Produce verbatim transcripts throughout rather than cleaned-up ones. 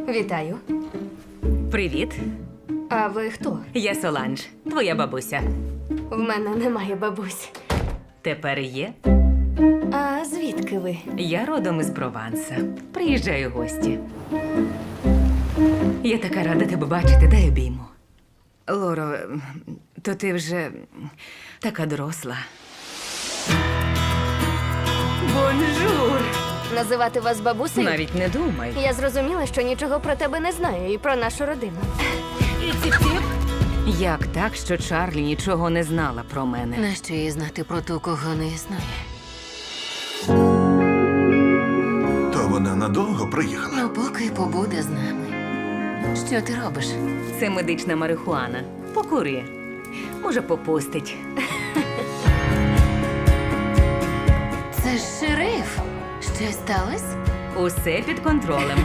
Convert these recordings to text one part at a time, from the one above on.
Вітаю. Привіт, А ви хто? я Соланж, твоя бабуся. В мене немає бабусь. Тепер є. А звідки ви? Я родом із Прованса. Приїжджаю в гості. Я така рада тебе бачити, дай обійму. Лоро, то ти вже така доросла. Бонжур! Називати вас бабусею? Навіть не думай. Я зрозуміла, що нічого про тебе не знаю і про нашу родину. Як так, що Чарлі нічого не знала про мене? Нащо їй знати про ту, кого не існує? То вона надовго приїхала. Ну, поки побуде з нами. Що ти робиш? Це медична марихуана. Покури. Може, попустить. Це ж шериф. Щось сталося? Усе під контролем.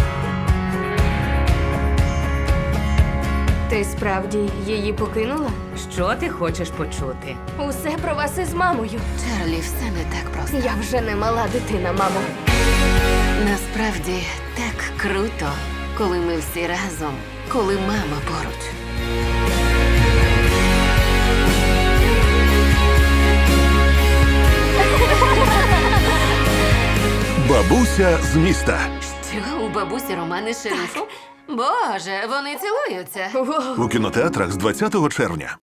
Ти справді її покинула? Що ти хочеш почути? Усе про вас із мамою. Чарлі, все не так просто. Я вже не мала дитина, мамо. Насправді так круто, коли ми всі разом, коли мама поруч. Бабуся з міста. Що, у бабусі романи з шерифом? Боже, вони цілуються. Воу. У кінотеатрах з двадцятого червня.